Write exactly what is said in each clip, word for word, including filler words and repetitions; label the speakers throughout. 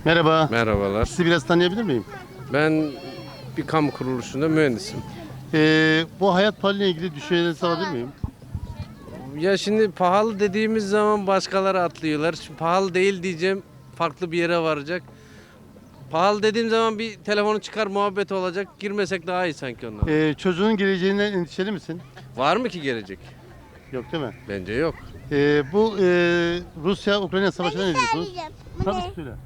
Speaker 1: Merhaba.
Speaker 2: Merhabalar.
Speaker 1: Sizi biraz tanıyabilir miyim?
Speaker 2: Ben bir kamu kuruluşunda mühendisim.
Speaker 1: Ee, bu hayat pahalılığıyla ilgili düşüncelerinizi alabilir miyim?
Speaker 2: Ya şimdi pahalı dediğimiz zaman başkaları atlıyorlar. Şimdi pahalı değil diyeceğim, farklı bir yere varacak. Pahalı dediğim zaman bir telefonu çıkar muhabbet olacak. Girmesek daha iyi sanki ondan.
Speaker 1: Ee, çocuğun geleceğinden endişeli misin?
Speaker 2: Var mı ki gelecek?
Speaker 1: Yok değil mi?
Speaker 2: Bence yok.
Speaker 1: Ee, bu e, Rusya-Ukrayna savaşına ne diyorsunuz?
Speaker 3: Söyleyeceğim. Bu
Speaker 1: Tabii
Speaker 3: ne?
Speaker 1: söyle.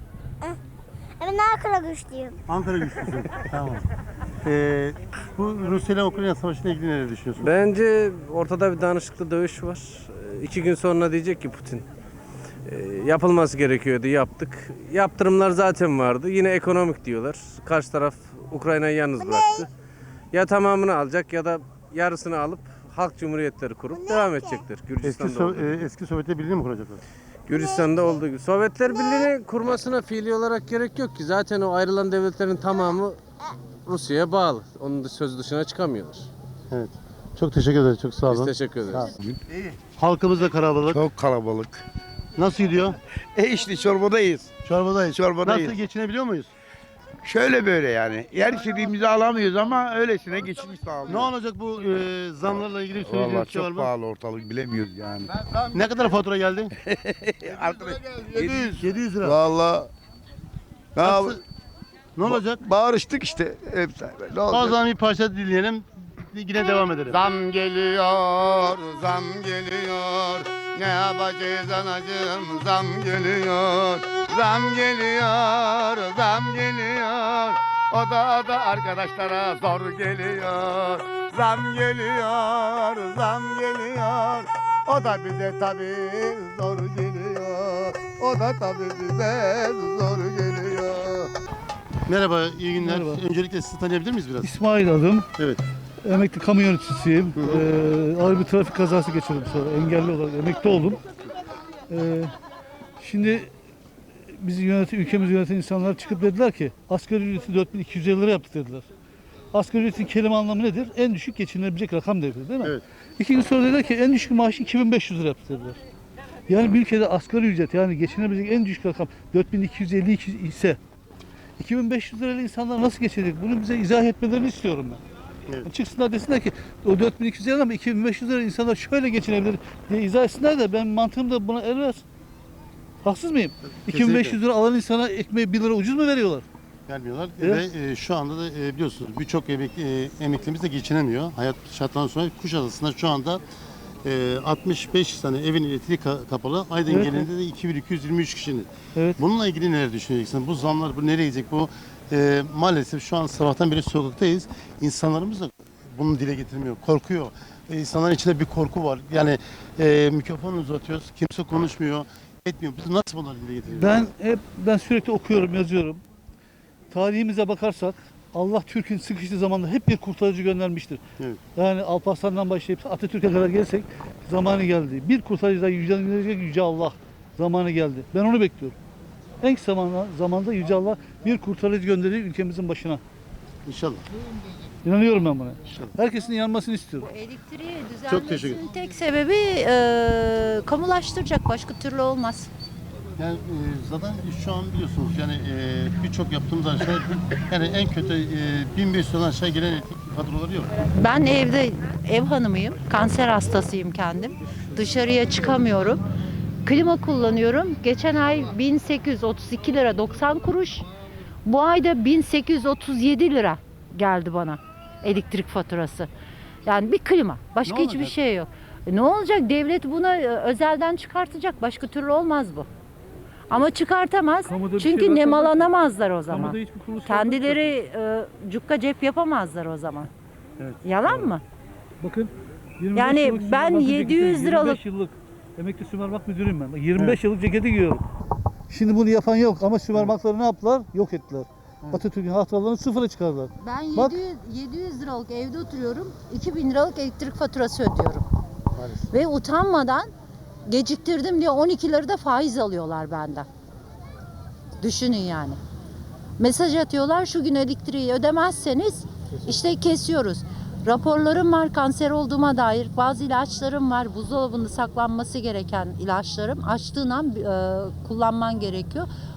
Speaker 3: Ben Ankara güçlüyüm.
Speaker 1: Ankara güçlüsün. Tamam. Ee, bu Rusya ile Ukrayna savaşına ilgili neler düşünüyorsun?
Speaker 2: Bence ortada bir danışıklı dövüş var. Ee, İki gün sonra diyecek ki Putin, e, yapılması gerekiyordu, yaptık. Yaptırımlar zaten vardı. Yine ekonomik diyorlar. Karşı taraf Ukrayna'yı yalnız bıraktı. Ya tamamını alacak ya da yarısını alıp halk cumhuriyetleri kurup devam edecekler.
Speaker 1: Eski,
Speaker 2: Gürcistan'da
Speaker 1: So-
Speaker 2: olduğu gibi.
Speaker 1: e, eski Sovyetler Birliği mi kuracaklar?
Speaker 2: Gürcistan'da olduğu gibi. Sovyetler Birliği'ni kurmasına fiili olarak gerek yok ki. Zaten o ayrılan devletlerin tamamı Rusya'ya bağlı. Onun da söz dışına çıkamıyorlar.
Speaker 1: Evet. Çok teşekkür ederiz. Çok sağ
Speaker 2: Biz
Speaker 1: olun.
Speaker 2: teşekkür ederiz.
Speaker 1: Halkımız da kalabalık.
Speaker 4: Çok kalabalık.
Speaker 1: Nasıl gidiyor?
Speaker 4: E işte çorbadayız.
Speaker 1: Çorbadayız.
Speaker 4: Çorbadayız.
Speaker 1: Nasıl geçinebiliyor muyuz?
Speaker 4: Şöyle böyle yani. Yer istediğimizi alamıyoruz ama öylesine geçmiş
Speaker 1: Ne
Speaker 4: sağlıyor.
Speaker 1: olacak bu e, zamlarla ilgili söyleyeceğiniz
Speaker 4: Vallahi
Speaker 1: bir şey var
Speaker 4: çok
Speaker 1: mı?
Speaker 4: pahalı ortalık bilemiyoruz yani.
Speaker 1: Ne kadar fatura geldi?
Speaker 4: Arkadaş,
Speaker 1: yedi yüz. yedi yüz lira.
Speaker 4: Vallahi ne yap-
Speaker 1: Nasıl- Ne olacak?
Speaker 4: Bağırıştık işte. Hep ne
Speaker 1: O
Speaker 4: olacak?
Speaker 1: zaman bir parça dinleyelim. Yine devam edelim.
Speaker 5: Zam geliyor, zam geliyor. Ne yapacağız anacığım? Zam geliyor, zam geliyor, zam geliyor. O da o da arkadaşlara zor geliyor. Zam geliyor, zam geliyor. O da bize tabii zor geliyor. O da tabii bize zor geliyor.
Speaker 1: Merhaba, iyi günler.
Speaker 6: Merhaba.
Speaker 1: Öncelikle sizi tanıyabilir miyiz biraz?
Speaker 6: İsmail adım.
Speaker 1: Evet.
Speaker 6: Emekli kamu yöneticisiyim. Ee, ağır bir trafik kazası geçirdim sonra. Engelli olarak emekli oldum. Ee, şimdi bizi yöneten, ülkemizi yöneten insanlar çıkıp dediler ki asgari ücreti dört bin iki yüz elli lira yaptık dediler. Asgari ücretin kelime anlamı nedir? En düşük geçinilebilecek rakam dedi, değil mi?
Speaker 1: Evet.
Speaker 6: İki gün sonra dediler ki en düşük maaşı iki bin beş yüz lira yaptık dediler. Yani bir ülkede asgari ücret yani geçinebilecek en düşük rakam dört bin iki yüz elli iki ise iki bin beş yüz lirayla insanlar nasıl geçecek? Bunu bize izah etmelerini istiyorum ben.
Speaker 1: Evet.
Speaker 6: Yani çıksınlar desinler ki o dört bin iki yüz lira ama iki bin beş yüz lira insanlar şöyle geçinebilir diye izah etsinler de ben mantığım da buna el versin. Haksız mıyım? iki bin beş yüz lira alan insana ekmeği bir lira ucuz mu veriyorlar?
Speaker 1: Vermiyorlar
Speaker 6: Evet.
Speaker 1: ve e, şu anda da e, biliyorsunuz birçok emekli, e, emeklimiz de geçinemiyor. Hayat şartlarından sonra Kuşadası'nda şu anda e, altmış beş tane evin elektriği ka- kapalı. Aydın
Speaker 6: Evet,
Speaker 1: genelinde de iki bin iki yüz yirmi üç kişinin.
Speaker 6: Evet.
Speaker 1: Bununla ilgili neler düşüneceksin? Bu zamlar bu nereye gidecek? Bu e, maalesef şu an sabahtan beri sokaktayız. İnsanlarımız da bunu dile getirmiyor. Korkuyor. E, insanların içinde bir korku var. Yani e, mikrofonu uzatıyoruz. Kimse konuşmuyor. Etmiyor. Biz nasıl bunları dile getiriyoruz?
Speaker 6: Ben hep ben sürekli okuyorum, yazıyorum. Tarihimize bakarsak Allah Türk'ün sıkıştığı zamanda hep bir kurtarıcı göndermiştir.
Speaker 1: Evet.
Speaker 6: Yani Alparslan'dan başlayıp Atatürk'e kadar gelsek zamanı geldi. Bir kurtarıcıdan yücelecek Yüce Allah zamanı geldi. Ben onu bekliyorum. En kısa zamanda, zamanda Yüce Allah bir kurtarıcı gönderir ülkemizin başına.
Speaker 1: İnşallah.
Speaker 6: İnanıyorum ben buna. Herkesin inanmasını istiyorum.
Speaker 7: Elektriği
Speaker 1: Çok teşekkür ederim.
Speaker 7: düzenlemesinin tek sebebi e, kamulaştıracak. Başka türlü olmaz.
Speaker 1: Yani e, zaten şu an biliyorsunuz yani e, birçok yaptığımız aşağı yani en kötü e, bin beş yüzden aşağı gelen elektrik faturaları yok.
Speaker 7: Ben evde ev hanımıyım. Kanser hastasıyım kendim. Dışarıya çıkamıyorum. Klima kullanıyorum. Geçen ay bin sekiz yüz otuz iki lira doksan kuruş. Bu ayda bin sekiz yüz otuz yedi lira geldi bana elektrik faturası. Yani bir klima. Başka
Speaker 1: Ne
Speaker 7: hiçbir
Speaker 1: olacak?
Speaker 7: şey yok. E, Ne olacak? Devlet buna e, özelden çıkartacak. Başka türlü olmaz bu. Ama çıkartamaz.
Speaker 6: Kamuda bir
Speaker 7: Çünkü
Speaker 6: şey varsa
Speaker 7: nemalanamazlar o zaman.
Speaker 6: Kamuda hiçbir kuruluş
Speaker 7: Kendileri e, cukka cep yapamazlar o zaman.
Speaker 6: Evet.
Speaker 7: Yalan mı?
Speaker 6: Bakın yirmi beş
Speaker 7: Yani
Speaker 6: yıllık
Speaker 7: ben
Speaker 6: sümermak
Speaker 7: yedi yüz
Speaker 6: ceketi,
Speaker 7: liralık-
Speaker 6: yirmi beş yıllık emekli sümermak müdürüyüm ben. Bak, yirmi beş yıllık ceketi giyiyorum. Şimdi bunu yapan yok ama sümermakları ne yaptılar? Yok ettiler. Atatürk'ün hatıralarını sıfıra çıkardılar.
Speaker 7: Ben
Speaker 6: Bak.
Speaker 7: yedi yüz, yedi yüz liralık evde oturuyorum. iki bin liralık elektrik faturası ödüyorum.
Speaker 1: Maalesef.
Speaker 7: Ve utanmadan geciktirdim diye on iki lira da faiz alıyorlar benden. Düşünün yani. Mesaj atıyorlar, şu gün elektriği ödemezseniz işte kesiyoruz. Raporlarım var kanser olduğuma dair. Bazı ilaçlarım var. Buzdolabında saklanması gereken ilaçlarım. Açtığın an e, kullanman gerekiyor.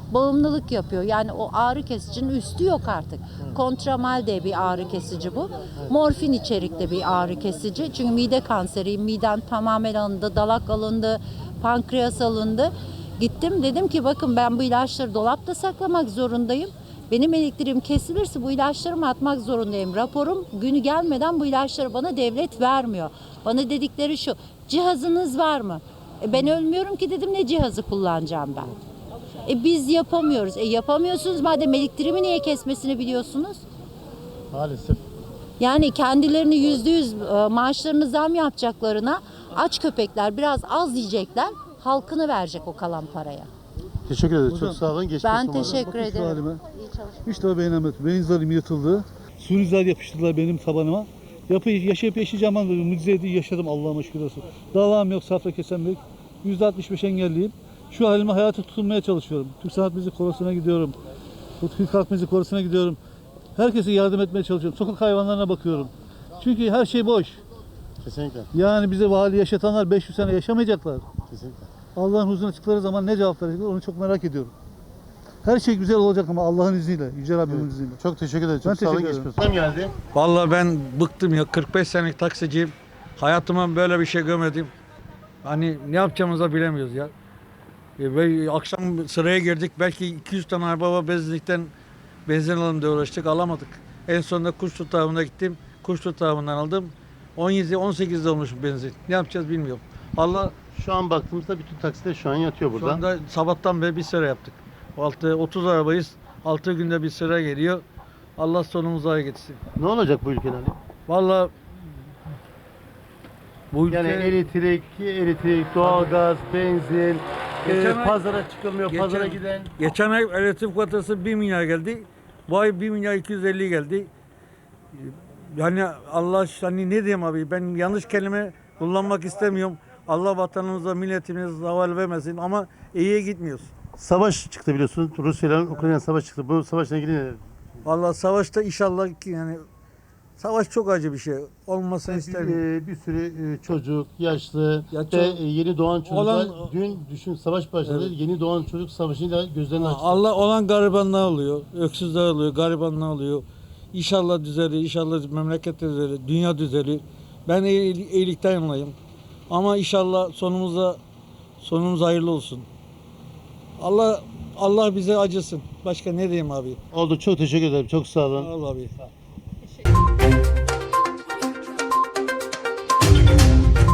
Speaker 7: bağımlılık yapıyor. Yani o ağrı kesicinin üstü yok artık. Kontramal de bir ağrı kesici bu. Morfin içerikli bir ağrı kesici. Çünkü mide kanseri, miden tamamen alındı, dalak alındı, pankreas alındı. Gittim dedim ki bakın ben bu ilaçları dolapta saklamak zorundayım. Benim elektriğim kesilirse bu ilaçlarımı atmak zorundayım. Raporum günü gelmeden bu ilaçları bana devlet vermiyor. Bana dedikleri şu, cihazınız var mı? E ben ölmüyorum ki dedim, ne cihazı kullanacağım ben? E biz yapamıyoruz. E yapamıyorsunuz madem, elektriğimi niye kesmesini biliyorsunuz?
Speaker 1: Maalesef.
Speaker 7: Yani kendilerini yüzde yüz e, maaşlarını zam yapacaklarına aç köpekler biraz az yiyecekler, halkını verecek o kalan paraya.
Speaker 1: Teşekkür ederiz.
Speaker 6: Hocam,
Speaker 1: Çok sağ olun. Geçmiş
Speaker 7: Ben
Speaker 1: olsun.
Speaker 7: teşekkür
Speaker 6: Bakın şu
Speaker 7: ederim.
Speaker 6: halime.
Speaker 7: İyi çalışmalar.
Speaker 6: Hiç de beğenemedim. Beyin zarım yırtıldı. Suni zar yapıştırdılar benim tabanıma. Yapı, yaşayıp yaşayacağım an dedim. Mucize değil, yaşadım Allah'ıma şükür olsun. Dalağım yok, safra kesem yok. yüzde altmış beş engelliyim. Şu halime hayata tutunmaya çalışıyorum. Türk Sanat Müzik Korosu'na gidiyorum. Türk Halk Müzik Korosu'na gidiyorum. Herkese yardım etmeye çalışıyorum. Sokak hayvanlarına bakıyorum. Çünkü her şey boş.
Speaker 1: Kesinlikle.
Speaker 6: Yani bize vali yaşatanlar beş yüz sene yaşamayacaklar.
Speaker 1: Kesinlikle.
Speaker 6: Allah'ın huzuruna çıktıkları zaman ne cevap verecekler onu çok merak ediyorum. Her şey güzel olacak ama Allah'ın izniyle, Yüce Rabbimin
Speaker 1: Evet.
Speaker 6: izniyle.
Speaker 1: Çok teşekkür ederiz.
Speaker 6: Ben
Speaker 1: Çok sağ olun.
Speaker 6: teşekkür
Speaker 1: Geçmiş olsun. geldi.
Speaker 8: Vallahi ben bıktım ya, kırk beş senelik taksiciyim. Hayatıma böyle bir şey görmedim. Hani ne yapacağımızı da bilemiyoruz ya. E, Ve akşam sıraya girdik, belki iki yüz tane araba benzinlikten benzin alalım diye uğraştık, alamadık. En sonunda kuş tutağına gittim, kuş tutağından aldım. on yedi on sekizde olmuş benzin. Ne yapacağız bilmiyorum. Allah,
Speaker 1: Şu an baktığımızda bütün taksiler şu an yatıyor burada.
Speaker 8: şu anda sabahtan beri bir sıra yaptık. altı otuz arabayız, altı günde bir sıra geliyor. Allah sonumuzu ay getirsin.
Speaker 1: Ne olacak bu ülkede? Ali?
Speaker 8: Vallahi bu ülke...
Speaker 1: Yani elektrik, elektrik, doğalgaz, benzin,
Speaker 8: Geçen
Speaker 1: e,
Speaker 8: ay-
Speaker 1: pazara çıkılmıyor,
Speaker 8: geçen-
Speaker 1: pazara giden.
Speaker 8: Geçen ay elektrik faturası bir milyar geldi. Bu ay bir milyar iki yüz elli geldi. Yani Allah, hani ne diyeyim abi, ben yanlış kelime kullanmak istemiyorum. Allah vatanımıza, milletimize zaval vermesin ama iyiye gitmiyoruz.
Speaker 1: Savaş çıktı biliyorsunuz. Rusya ile Ukrayna savaş çıktı. Bu savaşla ilgili ne?
Speaker 8: Vallahi savaşta inşallah ki, yani savaş çok acı bir şey. Olmasını
Speaker 1: Bir,
Speaker 8: istemiyorum.
Speaker 1: e, bir sürü e, çocuk, yaşlı
Speaker 8: Ya
Speaker 1: ve
Speaker 8: çok-
Speaker 1: e, yeni doğan çocuklar.
Speaker 8: olan-
Speaker 1: Dün düşün savaş başladı.
Speaker 8: Evet.
Speaker 1: Yeni doğan çocuk savaşıyla gözlerini açtı.
Speaker 8: Allah olan garibanlar oluyor, öksüzler oluyor, garibanlar oluyor. İnşallah düzelir, inşallah memleket düzelir, dünya düzelir. Ben iyil- iyilikten yanayım. Ama inşallah sonumuza sonumuz hayırlı olsun. Allah Allah bize acısın. Başka ne diyeyim abi?
Speaker 1: Oldu. Çok teşekkür ederim. Çok sağ olun.
Speaker 8: Allah abi.